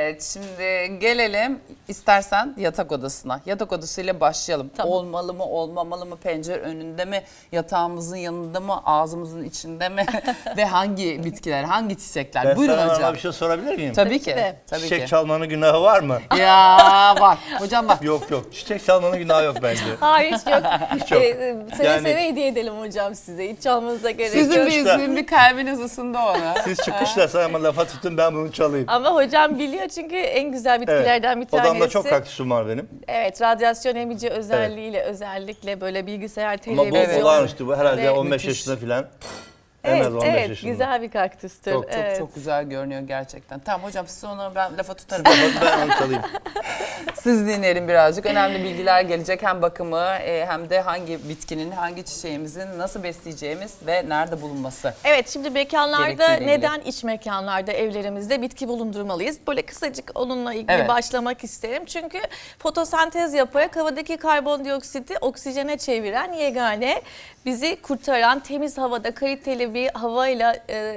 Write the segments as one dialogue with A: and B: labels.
A: Evet, şimdi gelelim istersen yatak odasına. Yatak odasıyla başlayalım.
B: Tamam.
A: Olmalı mı, olmamalı mı, pencere önünde mi, yatağımızın yanında mı, ağzımızın içinde mi ve hangi bitkiler, hangi çiçekler?
C: Ben
A: Buyurun
C: sana
A: hocam.
C: bir şey sorabilir miyim?
A: Tabii ki.
B: de.
A: Tabii
C: Çiçek
A: ki.
C: çalmanın günahı var mı?
A: Ya bak hocam bak.
C: Yok yok. Çiçek çalmanın günahı yok bence.
B: Hayır hiç yok.
C: Hiç yok.
B: Seve
C: Yani-
B: seve hediye edelim hocam size. Hiç çalmanıza gerek
A: Sizin
B: yok.
A: bir sizin bir kalbiniz ısındı ona.
C: Siz çıkışla sana lafa tutun, ben bunu çalayım.
B: Ama hocam biliyor çünkü en güzel bitkilerden bir tanesi.
C: Odamda çok kaktüsüm var benim.
B: Evet, radyasyon emici özelliğiyle özellikle böyle bilgisayar,
C: Ama bu
B: televizyon.
C: olağanüstü, bu herhalde
B: ve
C: 15
A: müthiş.
C: yaşında filan. En
B: Evet,
C: az 15
B: evet
C: yaşında.
B: güzel bir kaktüstür.
C: Çok, çok,
B: evet.
A: Çok güzel görünüyor gerçekten. Tamam hocam siz ona ben lafa tutarım.
C: Ben onu çalayım.
A: Siz dinleyelim birazcık. Önemli bilgiler gelecek. Hem bakımı hem de hangi bitkinin, hangi çiçeğimizin nasıl besleyeceğimiz ve nerede bulunması.
B: Evet, şimdi mekanlarda
A: Gerektiğiyle
B: neden iç mekanlarda evlerimizde bitki bulundurmalıyız? Böyle kısacık onunla ilgili
A: Evet.
B: başlamak isterim. Çünkü fotosentez yaparak havadaki karbondioksiti oksijene çeviren yegane, bizi kurtaran, temiz havada kaliteli bir havayla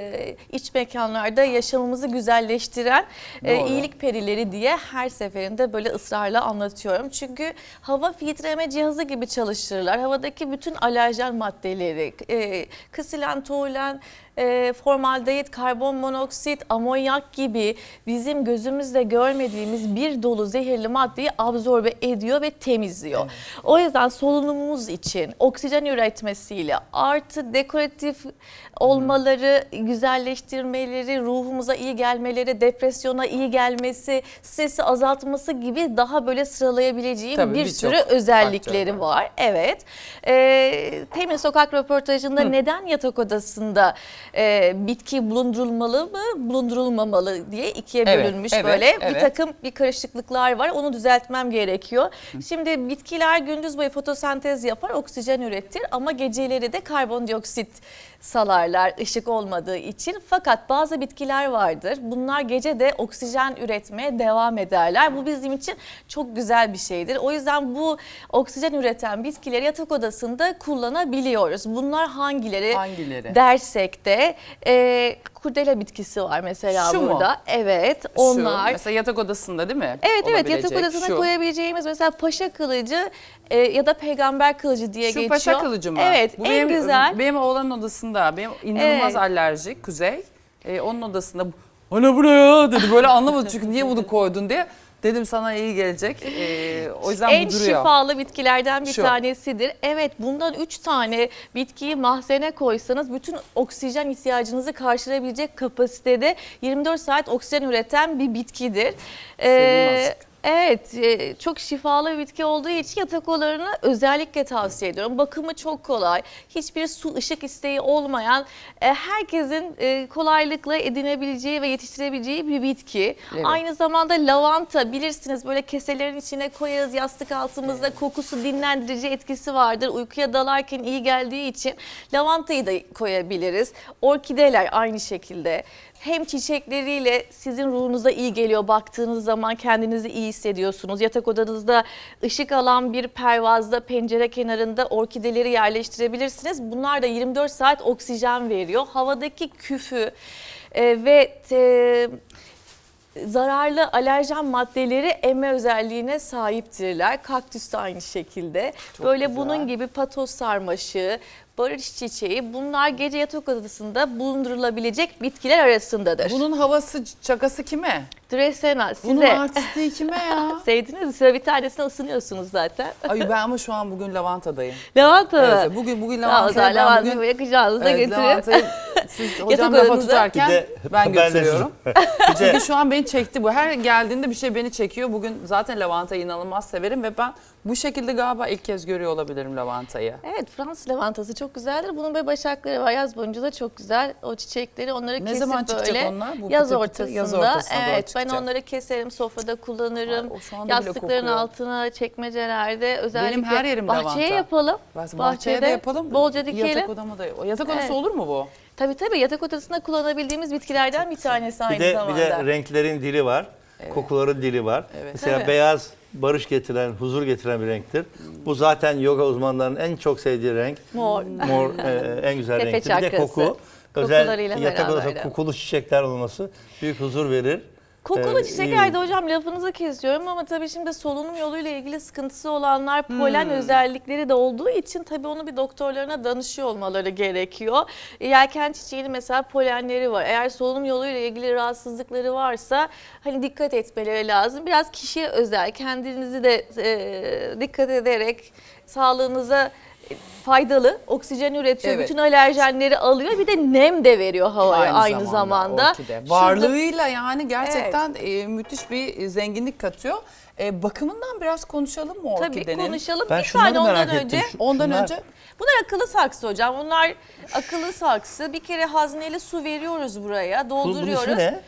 B: iç mekanlarda yaşamımızı güzelleştiren
A: Doğru.
B: iyilik perileri diye her seferinde böyle ısrarla anlatıyorum. Çünkü hava filtreleme cihazı gibi çalıştırırlar. Havadaki bütün alerjen maddeleri, kasilen, toluen, formaldehit, karbon monoksit, amonyak gibi bizim gözümüzle görmediğimiz bir dolu zehirli maddeyi absorbe ediyor ve temizliyor. Evet. O yüzden solunumumuz için oksijen üretmesiyle artı dekoratif olmaları, güzelleştirmeleri, ruhumuza iyi gelmeleri, depresyona iyi gelmesi, stresi azaltması gibi daha böyle sıralayabileceğim
A: Tabii,
B: bir
A: birçok
B: sürü özellikleri
A: faktör
B: var. Evet. Temin Sokak röportajında neden yatak odasında bitki bulundurulmalı mı, bulundurulmamalı diye ikiye
A: Evet,
B: bölünmüş
A: evet,
B: böyle.
A: evet.
B: Bir takım bir karışıklıklar var. Onu düzeltmem gerekiyor. Şimdi bitkiler gündüz boyu fotosentez yapar, oksijen üretir ama geceleri de karbondioksit salarlar ışık olmadığı için. Fakat bazı bitkiler vardır. Bunlar gece de oksijen üretmeye devam ederler. Bu bizim için çok güzel bir şeydir. O yüzden bu oksijen üreten bitkileri yatak odasında kullanabiliyoruz. Bunlar hangileri?
A: Hangileri?
B: Dersek de kurdele bitkisi var mesela
A: Şu mu?
B: burada. Evet,
A: Şu,
B: onlar.
A: mesela yatak odasında değil mi?
B: Evet evet, yatak
A: Olabilecek.
B: odasına
A: Şu.
B: koyabileceğimiz mesela paşa kılıcı ya da peygamber kılıcı diye
A: Şu
B: geçiyor.
A: paşa kılıcı mı?
B: Evet,
A: Bu
B: en
A: benim,
B: güzel.
A: Benim oğlanın odasında. Benim inanılmaz
B: Evet.
A: alerjik Kuzey. Onun odasında ana bu ne ya dedi. Böyle anlamadı çünkü niye bunu koydun diye. Dedim sana iyi gelecek. O yüzden
B: En
A: bu duruyor.
B: şifalı bitkilerden bir
A: Şu.
B: tanesidir. Evet, bundan 3 tane bitkiyi mahzene koysanız bütün oksijen ihtiyacınızı karşılayabilecek kapasitede 24 saat oksijen üreten bir bitkidir.
A: Sevdim azıcık.
B: Evet, çok şifalı bir bitki olduğu için yatak odalarını özellikle tavsiye ediyorum. Bakımı çok kolay, hiçbir su ışık isteği olmayan, herkesin kolaylıkla edinebileceği ve yetiştirebileceği bir bitki.
A: Evet.
B: Aynı zamanda lavanta bilirsiniz, böyle keselerin içine koyarız, yastık altımızda, kokusu dinlendirici etkisi vardır. Uykuya dalarken iyi geldiği için lavantayı da koyabiliriz. Orkideler aynı şekilde. Hem çiçekleriyle sizin ruhunuza iyi geliyor, baktığınız zaman kendinizi iyi hissediyorsunuz. Yatak odanızda ışık alan bir pervazda, pencere kenarında orkideleri yerleştirebilirsiniz. Bunlar da 24 saat oksijen veriyor. Havadaki küfü ve zararlı alerjen maddeleri emme özelliğine sahiptirler. Kaktüs de aynı şekilde.
A: Çok
B: Böyle
A: güzel.
B: bunun gibi patos sarmaşığı, barış çiçeği, bunlar gece yatak odasında bulundurulabilecek bitkiler arasındadır.
A: Bunun havası çakası kime?
B: Dresena
A: Bunun
B: size.
A: artistliği kime ya?
B: Sevdiniz mi? Size bir tanesine ısınıyorsunuz zaten.
A: Ay ben ama şu an bugün lavantadayım.
B: Lavanta mı?
A: Evet, bugün
B: Tamam, o
A: lavantayı
B: zaman
A: ben
B: lavantayı
A: bugün
B: yakacağınıza getirin.
A: lavantayı siz hocam
B: Yatak
A: lafa
B: odanıza-
A: tutarken
C: Bir de-
A: ben
C: ben de-
A: götürüyorum.
C: Bir de
A: Çünkü şu an beni çekti bu. Her geldiğinde bir şey beni çekiyor. Bugün zaten lavantayı inanılmaz severim ve ben bu şekilde galiba ilk kez görüyor olabilirim lavantayı.
B: Evet, Fransız lavantası çok güzeldir. Bunun böyle başakları var. Yaz boyunca da çok güzel. O çiçekleri onları
A: Ne
B: kesip
A: zaman çıkacak
B: böyle
A: onlar? Bu
B: yaz
A: pıtır pıtır
B: ortasında.
A: yaz ortasına doğru
B: Evet, ben
A: çıkacak.
B: onları keserim, sofrada kullanırım.
A: Ay, o şu anda bile
B: Yastıkların
A: kokuyor.
B: altına, çekmecelerde özellikle
A: Benim her yerim
B: bahçeye
A: lavanta.
B: yapalım.
A: Bahçeye de yapalım.
B: Bolca dikelim.
A: Yatak odama da. O yatak odası
B: Evet.
A: olur mu bu?
B: Tabii yatak odasında kullanabildiğimiz bitkilerden bir tanesi aynı
C: bir
B: zamanda.
C: de renklerin dili var. Kokuların dili var.
A: Evet.
C: Mesela
A: Tabii.
C: beyaz barış getiren, huzur getiren bir renktir. Bu zaten yoga uzmanlarının en çok sevdiği renk.
B: Mor.
C: Mor en güzel
B: Tepe
C: renktir. Bir de
B: çakrası.
C: koku. Özel
B: Kokularıyla
C: yatak odasında
B: beraber.
C: kokulu çiçekler olması büyük huzur verir.
B: Kokulu
C: iyi.
B: çiçeklerde hocam lafınızı kesiyorum ama tabii şimdi solunum yoluyla ilgili sıkıntısı olanlar polen özellikleri de olduğu için tabii onu bir doktorlarına danışıyor olmaları gerekiyor. Yelken çiçeğinin mesela polenleri var. Eğer solunum yoluyla ilgili rahatsızlıkları varsa hani dikkat etmeleri lazım. Biraz kişiye özel, kendinizi de dikkat ederek sağlığınıza faydalı, oksijen üretiyor,
A: Evet.
B: bütün alerjenleri alıyor. Bir de nem de veriyor havaya aynı zamanda.
A: orkide. Varlığıyla yani gerçekten müthiş bir zenginlik katıyor. Bakımından biraz konuşalım mı
B: Tabii
A: orkidenin?
B: konuşalım.
C: Ben
B: Bir
C: şunları
B: tane ondan
C: merak
B: önce.
C: ettim.
A: Ondan
C: Şunlar-
A: önce
B: Bunlar akıllı saksı hocam. Bunlar akıllı saksı. Bir kere hazneli su veriyoruz buraya. Dolduruyoruz.
C: Bunun ismi ne?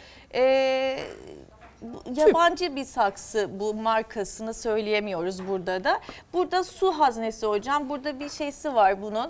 B: Yabancı bir saksı, bu markasını söyleyemiyoruz burada da. Burada su haznesi hocam. Burada bir şeysi var bunun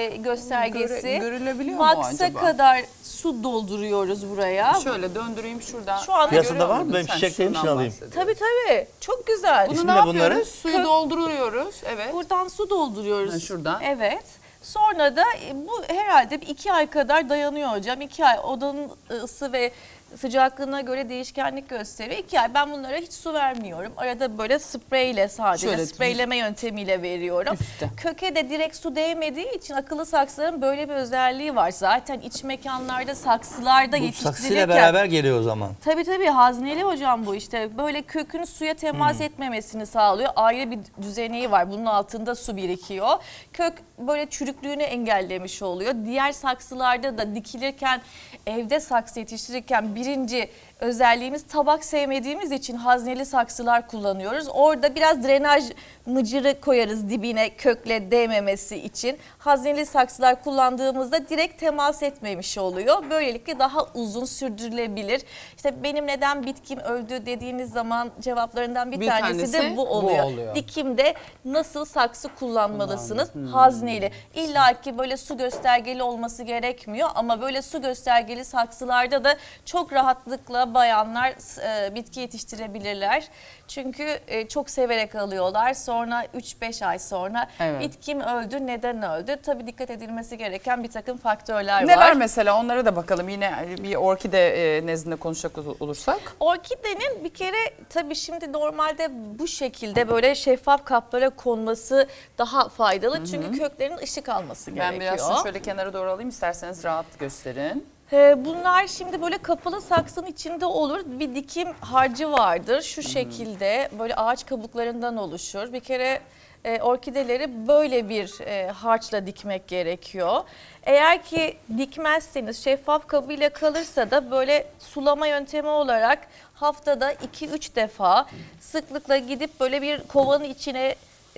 B: göstergesi.
A: görülebiliyor mu
B: Maksa
A: acaba?
B: kadar su dolduruyoruz buraya.
A: şöyle döndüreyim şuradan.
B: Şu anda
C: Piyasada
A: Görüyor
C: var mı?
A: musun?
C: Benim
A: Sen
C: çiçeklerim için
A: şundan
C: alayım.
A: bahsediyorsun.
B: Tabii tabii. Çok güzel.
A: Bunu
C: İsmi
A: ne
C: ne
A: yapıyoruz?
C: bunların?
A: Suyu dolduruyoruz. Evet.
B: Buradan su dolduruyoruz.
A: Ha, şuradan.
B: Evet. Sonra da bu herhalde 2 ay kadar dayanıyor hocam. 2 ay odanın ısı ve sıcaklığına göre değişkenlik gösteriyor. 2 ay ben bunlara hiç su vermiyorum. Arada böyle spreyle sadece
A: Şöyle
B: spreyleme yöntemiyle veriyorum.
A: Üstte.
B: Köke de direkt su değmediği için akıllı saksıların böyle bir özelliği var. Zaten iç mekanlarda saksılarda
C: Bu
B: yetiştirirken.
C: saksıyla beraber geliyor o zaman.
B: Tabii hazneli hocam bu işte. Böyle kökün suya temas etmemesini sağlıyor. Ayrı bir düzeneği var. Bunun altında su birikiyor. Kök böyle çürüklüğünü engellemiş oluyor. Diğer saksılarda da dikilirken, evde saksı yetiştirirken birinci özelliğimiz tabak sevmediğimiz için hazneli saksılar kullanıyoruz. Orada biraz drenaj mıcırı koyarız dibine kökle değmemesi için. Hazneli saksılar kullandığımızda direkt temas etmemiş oluyor. Böylelikle daha uzun sürdürülebilir. İşte benim neden bitkim öldü dediğiniz zaman cevaplarından bir tanesi de bu oluyor. Dikimde nasıl saksı kullanmalısınız? Hazneli. İlla ki böyle su göstergeli olması gerekmiyor ama böyle su göstergeli saksılarda da çok rahatlıkla bayanlar bitki yetiştirebilirler. Çünkü çok severek alıyorlar. Sonra 3-5 ay sonra bitkim öldü. Neden öldü? Tabii dikkat edilmesi gereken bir takım faktörler var.
A: Neler mesela onlara da bakalım. Yine bir orkide nezdinde konuşacak olursak.
B: Orkidenin bir kere tabii şimdi normalde bu şekilde böyle şeffaf kaplara konması daha faydalı. Çünkü köklerin ışık alması gerekiyor.
A: Ben biraz şunu şöyle kenara doğru alayım isterseniz rahat gösterin.
B: Bunlar şimdi böyle kapalı saksının içinde olur. Bir dikim harcı vardır. Şu şekilde böyle ağaç kabuklarından oluşur. Bir kere orkideleri böyle bir harçla dikmek gerekiyor. Eğer ki dikmezseniz şeffaf kabıyla kalırsa da böyle sulama yöntemi olarak haftada 2-3 defa sıklıkla gidip böyle bir kovanın içine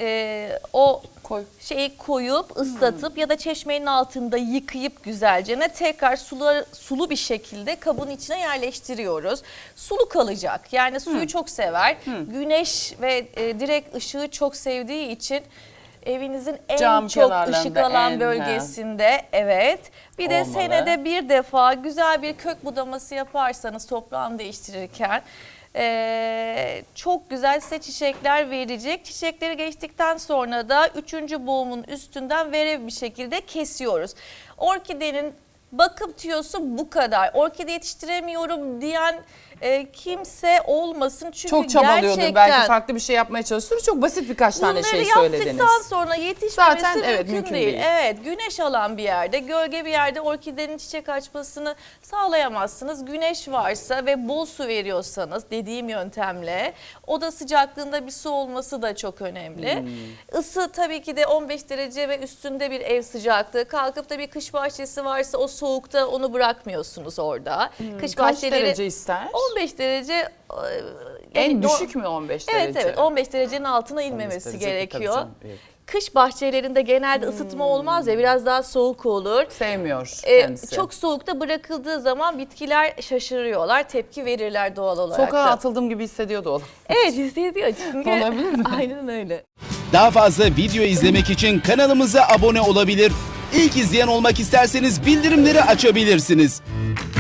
B: o şeyi koyup ıslatıp ya da çeşmenin altında yıkayıp güzelce tekrar sulu bir şekilde kabın içine yerleştiriyoruz. Sulu kalacak. Yani suyu çok sever. Güneş ve direkt ışığı çok sevdiği için evinizin en
A: Cam
B: çok
A: kenarlarında
B: ışık alan bölgesinde bir de
A: olmalı.
B: senede bir defa güzel bir kök budaması yaparsanız toprağını değiştirirken çok güzel size çiçekler verecek. Çiçekleri geçtikten sonra da 3. boğumun üstünden verev bir şekilde kesiyoruz. Orkidenin bakım tüyosu bu kadar. Orkide yetiştiremiyorum diyen kimse olmasın. Çünkü
A: Çok çabalıyordur
B: gerçekten
A: belki farklı bir şey yapmaya çalışıyordur. Çok basit birkaç tane şey söylediniz.
B: Bunları yaptıktan sonra yetişmemesi
A: Zaten
B: mümkün değil. Evet, güneş alan bir yerde, gölge bir yerde orkidenin çiçek açmasını sağlayamazsınız. Güneş varsa ve bol su veriyorsanız dediğim yöntemle oda sıcaklığında bir su olması da çok önemli. Isı tabii ki de 15 derece ve üstünde bir ev sıcaklığı. Kalkıp da bir kış bahçesi varsa o soğukta onu bırakmıyorsunuz orada. Kış
A: Kaç
B: bahçeleri
A: derece ister?
B: 15 derece
A: En düşük mü 15 derece?
B: Evet 15 derecenin altına inmemesi
A: derece,
B: gerekiyor.
A: tabii canım, evet.
B: Kış bahçelerinde genelde ısıtma olmaz ya biraz daha soğuk olur.
A: Sevmiyor kendisi.
B: Çok soğukta bırakıldığı zaman bitkiler şaşırıyorlar, tepki verirler doğal olarak
A: Sokağa
B: da.
A: atıldığım gibi hissediyordu oğlum.
B: Evet hissediyor çünkü.
A: Olabilir mi?
B: Aynen öyle.
D: Daha fazla video izlemek için kanalımıza abone olabilir. İlk izleyen olmak isterseniz bildirimleri açabilirsiniz.